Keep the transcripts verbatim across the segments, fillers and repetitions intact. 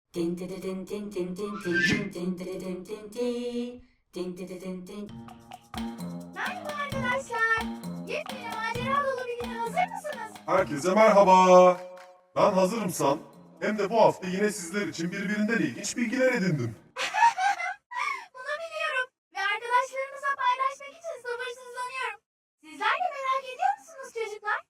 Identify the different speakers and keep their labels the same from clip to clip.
Speaker 1: Din din din din din din din din din din din din. Din din din din.
Speaker 2: Merhaba arkadaşlar. Yepyeni macera dolu bir güne hazır mısınız?
Speaker 3: Herkese merhaba. Ben hazırım San. Hem de bu hafta yine sizler için birbirinden ilginç bilgiler edindim.
Speaker 2: Bunu biliyorum ve arkadaşlarımızla paylaşmak için sabırsızlanıyorum. Sizler de merak ediyor musunuz çocuklar?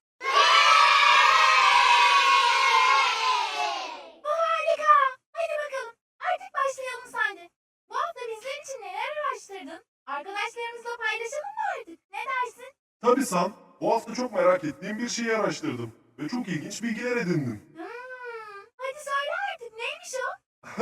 Speaker 2: Bu harika. Hadi bakalım. Artık başlayalım sen de. Bu hafta bizler için neler araştırdın? Arkadaşlarımızla paylaşalım mı artık? Ne dersin?
Speaker 3: Tabii San, bu hafta çok merak ettiğim bir şeyi araştırdım. Ve çok ilginç bilgiler edindim.
Speaker 2: Hmm, hadi söyle artık. Neymiş o?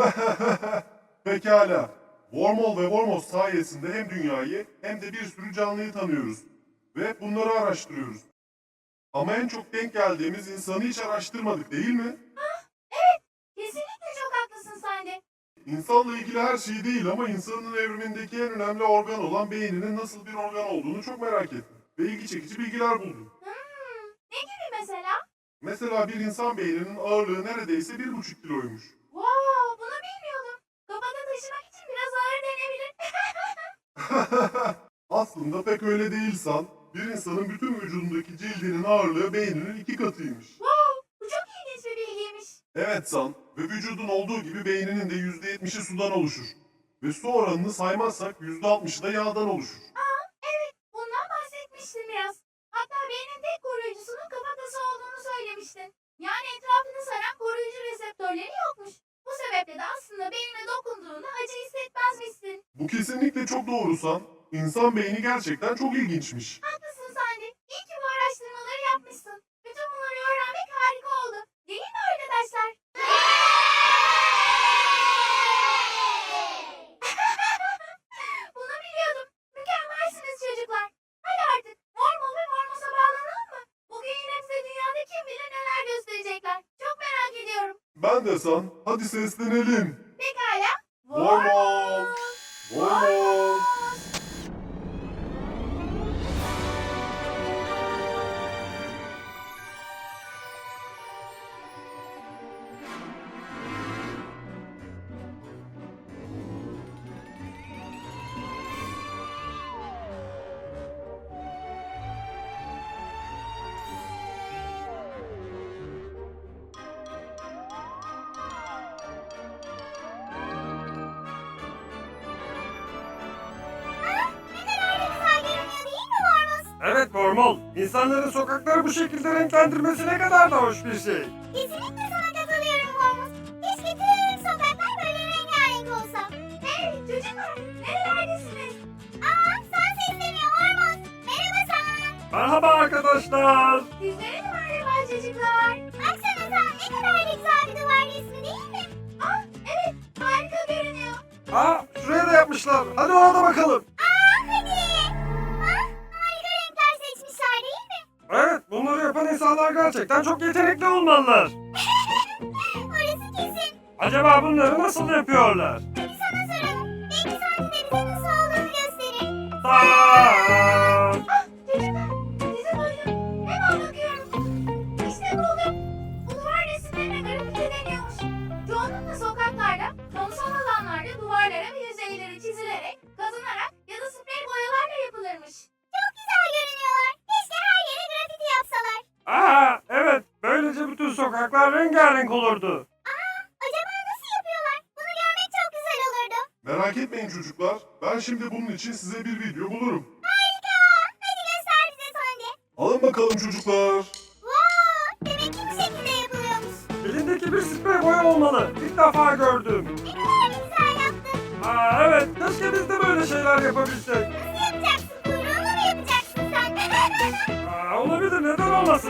Speaker 3: Pekala. Wormhole ve Wormhole sayesinde hem dünyayı hem de bir sürü canlıyı tanıyoruz. Ve bunları araştırıyoruz. Ama en çok denk geldiğimiz insanı hiç araştırmadık değil mi?
Speaker 2: Evet. Kesinlikle çok haklısın sen de.
Speaker 3: İnsanla ilgili her şey değil ama insanın evrimindeki en önemli organ olan beyninin nasıl bir organ olduğunu çok merak ettim. Ve ilgi çekici bilgiler buldum.
Speaker 2: Hmm, ne gibi mesela?
Speaker 3: Mesela bir insan beyninin ağırlığı neredeyse bir buçuk kiloymuş.
Speaker 2: Wow, bunu bilmiyordum. Kafada taşımak için biraz ağır denebilir.
Speaker 3: Aslında pek öyle değil San. Bir insanın bütün vücudundaki cildinin ağırlığı beyninin iki katıymış.
Speaker 2: Wow, bu çok ilginç bir bilgiymiş.
Speaker 3: Evet San, ve vücudun olduğu gibi beyninin de yüzde yetmişi sudan oluşur. Ve su oranını saymazsak yüzde altmışı da yağdan oluşur.
Speaker 2: Aa, evet, bundan bahsetmiştin biraz. Hatta beynin tek koruyucusunun kafatası olduğunu söylemiştin. Yani etrafını saran koruyucu reseptörleri yokmuş. Bu sebeple de aslında beynine dokunduğunda acı hissetmezmişsin.
Speaker 3: Bu kesinlikle çok doğru San. İnsan beyni gerçekten çok ilginçmiş.
Speaker 2: Haklısın sen de. İyi ki bu araştırmaları yapmışsın. Bütün bunları öğrenmek harika oldu. Değil mi arkadaşlar? Bunu biliyordum. Mükemmelsiniz çocuklar. Hadi artık Mormol ve Mormos'a bağlanalım mı? Bugün yine bize dünyada kim bilir neler gösterecekler. Çok merak ediyorum.
Speaker 3: Ben de San, hadi seslenelim.
Speaker 2: Pekala.
Speaker 3: Mormol! Mormol!
Speaker 4: Evet Mormol, insanların sokakları bu şekilde renklendirmesi ne kadar da hoş bir şey.
Speaker 2: Kesinlikle sana katılıyorum Hormuz. Keşke tüm sokaklar böyle rengarenk olsa. Hey çocuklar, nerelerdesiniz? Aa, sen sesleniyor Hormuz. Merhaba sen.
Speaker 4: Merhaba arkadaşlar.
Speaker 2: Sizlere de merhaba çocuklar. Baksana sen ne kadar da güzel bir duvar resmi değil mi? Aa, evet, harika görünüyor.
Speaker 4: Aa, şuraya da yapmışlar. Hadi ona da bakalım.
Speaker 2: Aa, hadi. Ah, harika renkler seçmişler değil mi?
Speaker 4: Evet, bunları yapan insanlar gerçekten çok yetenekli olmalılar.
Speaker 2: Orası kesin.
Speaker 4: Acaba bunları nasıl yapıyorlar?
Speaker 2: Hadi sana soralım. Belki sen de bize nasıl olduğunu gösterir.
Speaker 4: Aa!
Speaker 2: Ah çocuklar, sizi duydum. Hemen bakıyorum. İşte buldum. Bu duvar resimlerine grafiti deniyormuş. Çoğunlukla sokaklarda, kamusal alanlarda duvarlara ve yüzeylere çizilerek, kazınarak ya da sprey boyalarla yapılırmış. Çok güzel görünüyorlar. Keşke her yere grafiti yapsalar.
Speaker 4: Aa, evet, böylece bütün sokaklar rengarenk olurdu.
Speaker 2: Aa, acaba nasıl yapıyorlar? Bunu görmek çok güzel olurdu.
Speaker 3: Merak etmeyin çocuklar, ben şimdi bunun için size bir video bulurum.
Speaker 2: Harika. Hadi göster bize sen de.
Speaker 3: Alın bakalım çocuklar.
Speaker 2: Wow, demek ki bu şekilde yapılıyormuş.
Speaker 4: Elindeki bir sprey boya olmalı. İlk defa gördüm.
Speaker 2: Ne kadar da güzel yaptın.
Speaker 4: Aa, evet, keşke biz de böyle şeyler yapabilsek.
Speaker 2: Nasıl yapacaksın? Kuyruğunu mu yapacaksın sen?
Speaker 4: Aa, olabilir, neden olmasın?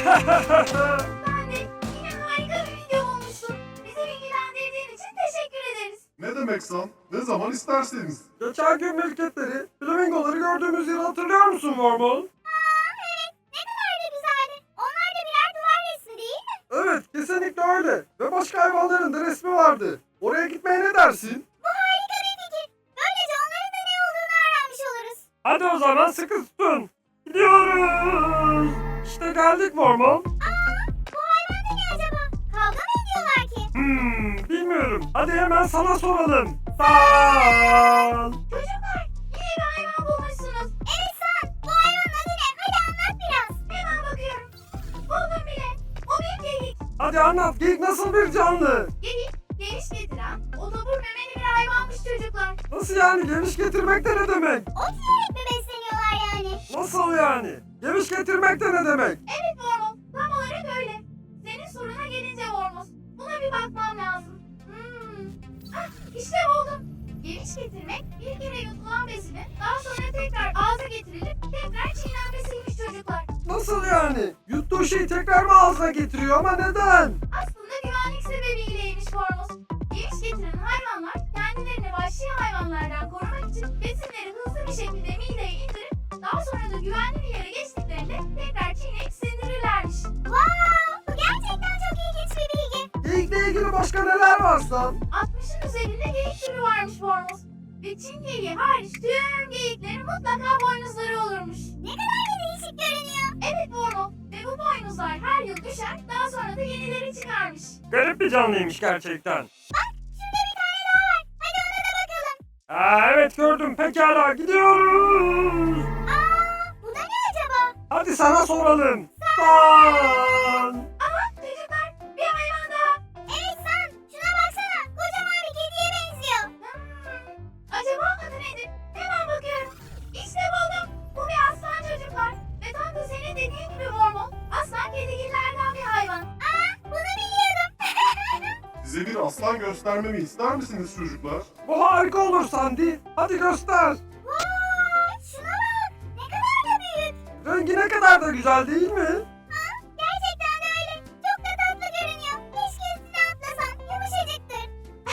Speaker 2: Ben de yine harika bir video bulmuşsun. Bizi bilgilendirdiğin için teşekkür ederiz.
Speaker 3: Ne demek San? Ne zaman isterseniz.
Speaker 4: Geçen gün mülketleri, flamingoları gördüğümüz yeri hatırlıyor musun Mormol?
Speaker 2: Aa evet, ne kadar da güzeldi. Onlar da birer duvar resmi değil mi?
Speaker 4: Evet, kesinlikle öyle. Ve başka hayvanların da resmi vardı. Oraya gitmeye ne dersin?
Speaker 2: Bu harika bir fikir. Böylece onların da ne olduğunu öğrenmiş oluruz.
Speaker 4: Hadi o zaman sıkı tutun. Gidiyoruz. İşte geldik Mormol.
Speaker 2: Aa, bu hayvan da ne acaba? Kavga mı ediyorlar ki?
Speaker 4: Hmm, bilmiyorum. Hadi hemen sana soralım. Sal.
Speaker 2: Çocuklar, yine bir hayvan bulmuşsunuz. Evet sen. Bu hayvanın adı ne? Hadi anlat biraz. Hemen bakıyorum. Buldum bile. O bir geyik.
Speaker 4: Hadi anlat. Geyik nasıl bir canlı?
Speaker 2: Geyik, geviş getiren, otobur memeli bir hayvanmış çocuklar.
Speaker 4: Nasıl yani? Geviş getirmek de ne demek?
Speaker 2: Ot yiyerek mi besleniyorlar yani?
Speaker 4: Nasıl yani? Geviş getirmek de ne demek?
Speaker 2: Evet Vormuz, tam olarak öyle. Senin soruna gelince Vormuz, buna bir bakmam lazım. Hmm. Ah, işte buldum. Geviş getirmek, bir kere yutulan besinin daha sonra tekrar ağza getirilip tekrar çiğnenmesiymiş çocuklar.
Speaker 4: Nasıl yani? Yuttuğu şeyi tekrar mı ağzına getiriyor ama neden?
Speaker 2: Aslında güvenlik sebebiyleymiş Vormuz. Geviş getiren hayvanlar kendilerini vahşi hayvanlardan korumak için besinleri hızlı bir şekilde mideye indirip daha sonra da güvenli bir yere geçtiklerinde tekrar çiğneyip sindirirlermiş. Wow! Bu gerçekten çok ilginç bir bilgi.
Speaker 4: Geyikle ilgili başka neler var San?
Speaker 2: altmışın üzerinde geyik türü varmış Vormuz. Ve Çin geyiği hariç tüm geyiklerin mutlaka boynuzları olurmuş. Ne kadar da değişik görünüyor. Evet Vormuz. Ve bu boynuzlar her yıl düşer, daha sonra da yenileri çıkarmış.
Speaker 4: Garip bir canlıymış gerçekten.
Speaker 2: Bak, şurada bir tane daha var. Hadi ona da bakalım.
Speaker 4: Aa, evet gördüm. Pekala gidiyoruz.
Speaker 2: Aa, bu da ne acaba?
Speaker 4: Hadi sana soralım. San.
Speaker 2: Aha, çocuklar, bir hayvan daha. Evet San, şuna baksana. Kocaman bir kediye benziyor. Hmm, acaba adı nedir? Hemen bakıyorum. İşte buldum. Bu bir aslan çocuklar. Ve tam da senin dediğin gibi Vormol. Aslan kedigillerden bir hayvan. Aa, bunu biliyordum.
Speaker 3: Size bir aslan göstermemi ister misiniz çocuklar?
Speaker 4: Bu harika olur Sandy. Hadi göster.
Speaker 2: Vay, şuna bak. Ne kadar da büyük.
Speaker 4: Rengi ne kadar da güzel değil mi?
Speaker 2: Ha, gerçekten de öyle. Çok da tatlı görünüyor. Keşke üstüne atlasan. Yumuşacıktır.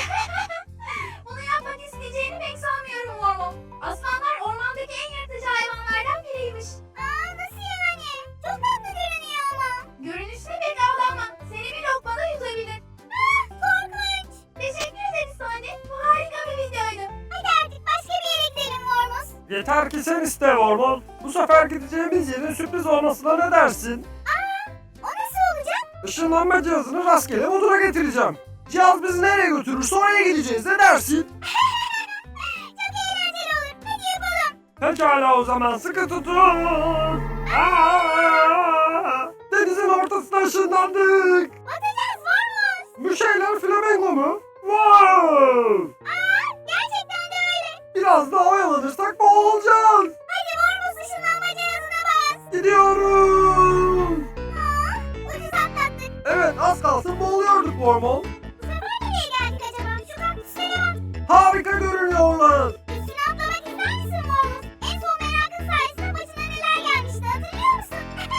Speaker 2: Bunu yapmak isteyeceğini pek sanmıyorum Vormol. Aslanlar ormandaki en yırtıcı hayvanlardan biriymiş. Aa, nasıl yani? Çok tatlı görünüyor ama. Görünüşüne pek avlanma. Seni bir lokmada yutabilir. Ah, korkunç. Teşekkür ederiz Sani. Bu harika bir videoydu. Hadi artık başka bir yere gidelim Vormuz.
Speaker 4: Yeter ki sen iste Vormol. Bu sefer gideceğimiz yerin sürpriz olmasına ne dersin?
Speaker 2: Aa, o nasıl olacak?
Speaker 4: Işınlanma cihazını rastgele moduna getireceğim. Cihaz bizi nereye götürürse oraya gideceğiz. Ne dersin?
Speaker 2: Çok eğlenceli olur. Hadi yapalım.
Speaker 4: Pekala o zaman sıkı tutun. Aa! Denizin ortasına ışınlandık.
Speaker 2: Batacağız Vormuz.
Speaker 4: Bu şeyler flamingo mu? Wow!
Speaker 2: Aa, gerçekten de öyle.
Speaker 4: Biraz daha oyalanırsak boğulacağız.
Speaker 2: Hadi Vormuz ışınlanma cihazına bas.
Speaker 4: Gidiyoruz.
Speaker 2: Aa, ucuz atlattık.
Speaker 4: Evet az kalsın boğuluyorduk Vormol.
Speaker 2: Bu sefer nereye geldik acaba? Şu kaktüslere bak.
Speaker 4: Harika görünüyorlar.
Speaker 2: Üstüne atlamak ister misin Vormuz? En son merakın sayesinde başına neler gelmişti hatırlıyor musun?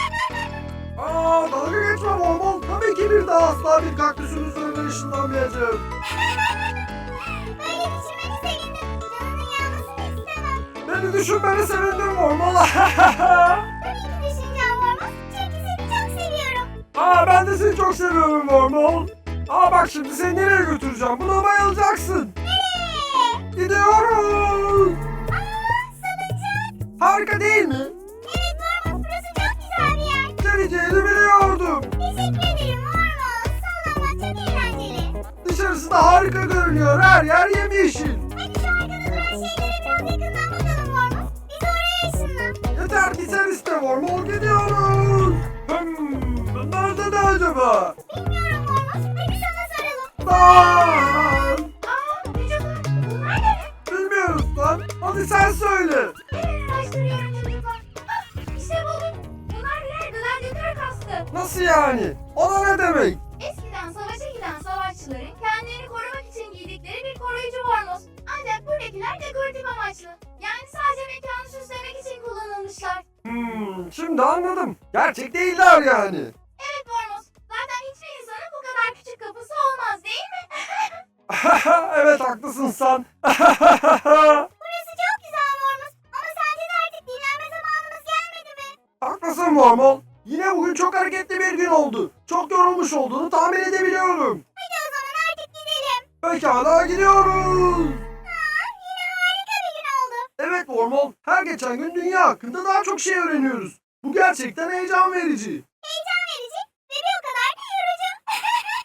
Speaker 4: Aa dalga geçme Vormol. Tabii ki bir daha asla bir kaktüsün üzerine ışınlanmayacağım.
Speaker 2: Böyle düşünmeni sevindim. Canının yanmasını istemem.
Speaker 4: Beni düşünmeni sevindim Vormol.
Speaker 2: Tabii ki düşüneceğim Vormuz. Çünkü seni çok seviyorum.
Speaker 4: Aa ben de seni çok seviyorum Vormol. Aa bak şimdi seni nereye götüreceğim? Buna bayılacaksın.
Speaker 2: Nereye?
Speaker 4: Gidiyoruz.
Speaker 2: Aa, salıncak.
Speaker 4: Harika değil mi?
Speaker 2: Evet Vormuz, burası çok güzel bir yer.
Speaker 4: Geleceğini biliyordum.
Speaker 2: Teşekkür ederim Vormuz. Sallanmak çok eğlenceli.
Speaker 4: Dışarısı da harika görünüyor. Her yer yemyeşil.
Speaker 2: Hadi şu arkada duran şeylere biraz yakından bakalım Vormuz. Biz oraya ışınlan.
Speaker 4: Yeter ki sen iste Vormol gidiyoruz. Hmm, bunlar da ne acaba?
Speaker 2: Bilmiyorum Vormuz. Hadi sana soralım.
Speaker 4: Lan!
Speaker 2: Aa, çocuklar. Bunlar da ne?
Speaker 4: Bilmiyoruz lan. Hadi sen söyle.
Speaker 2: Hemen araştırıyorum çocuklar. Ah, işte buldum. Bunlar birer gladyatör kaskı.
Speaker 4: Nasıl yani? O da ne demek?
Speaker 2: Eskiden savaşa giden savaşçıların kendilerini korumak için giydikleri bir koruyucu bornoz. Ancak buradakiler dekoratif amaçlı. Yani sadece mekanı süslemek için kullanılmışlar.
Speaker 4: Hmm, şimdi anladım. Gerçek değiller yani.
Speaker 2: Evet bornoz. Zaten hiçbir insanın bu kadar küçük kafası olmaz değil mi?
Speaker 4: Evet haklısın sen.
Speaker 2: Burası çok güzel bornoz. Ama sence de artık dinlenme zamanımız gelmedi mi?
Speaker 4: Haklısın Vormol. Yine bugün çok hareketli bir gün oldu. Çok yorulmuş olduğunu tahmin edebiliyorum.
Speaker 2: Hadi o zaman artık gidelim.
Speaker 4: Pekala gidiyoruz.
Speaker 2: Aa, yine harika bir gün oldu.
Speaker 4: Evet Vormol, her geçen gün dünya hakkında daha çok şey öğreniyoruz. Bu gerçekten heyecan verici.
Speaker 2: Heyecan verici ve bir o kadar da yorucu.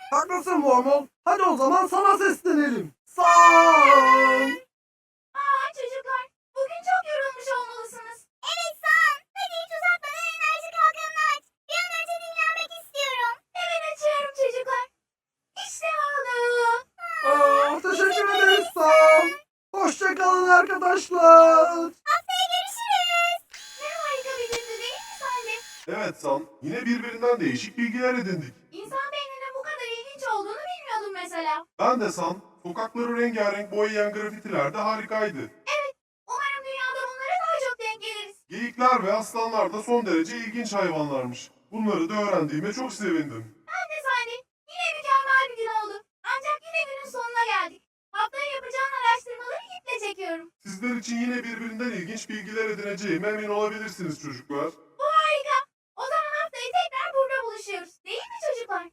Speaker 4: Haklısın Wormhole. Hadi o zaman sana seslenelim. San!
Speaker 2: Aa çocuklar, bugün çok yorulmuş olmalısınız. Evet San, hadi hiç uzatmadan enerji kalkanını aç. Bir an önce dinlenmek istiyorum. Hemen açıyorum çocuklar. İşte oldu.
Speaker 4: Aa, teşekkür ederiz San. Hoşçakalın arkadaşlar.
Speaker 2: Haftaya görüşürüz. Ne harika bir gündü değil mi Sandy?
Speaker 3: Evet San, yine birbirinden değişik bilgiler edindik.
Speaker 2: İnsan beyninin bu kadar ilginç olduğunu bilmiyordum mesela.
Speaker 3: Ben de San, sokakları rengarenk boyayan grafitiler de harikaydı.
Speaker 2: Umarım dünyada bunlara daha çok denk geliriz.
Speaker 3: Geyikler ve aslanlar da son derece ilginç hayvanlarmış. Bunları da öğrendiğime çok sevindim.
Speaker 2: Ben de Sandy. Yine mükemmel bir gün oldu. Ancak yine günün sonuna geldik. Haftaya yapacağın araştırmaları iple çekiyorum.
Speaker 3: Sizler için yine birbirinden ilginç bilgiler edineceğime emin olabilirsiniz çocuklar.
Speaker 2: Bu harika. O zaman haftaya tekrar burada buluşuyoruz. Değil mi çocuklar?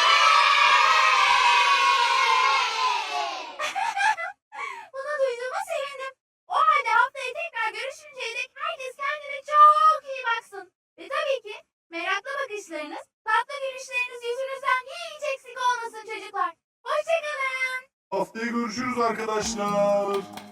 Speaker 2: Bunu duyduğuma sevindim. O halde haftaya tekrar görüşünceye dek herkes kendine çok iyi baksın. Ve tabii ki meraklı bakışlarınız, tatlı gülüşleriniz yüzünüzden hiç eksik olmasın çocuklar. Hoşçakalın.
Speaker 3: Haftaya görüşürüz arkadaşlar.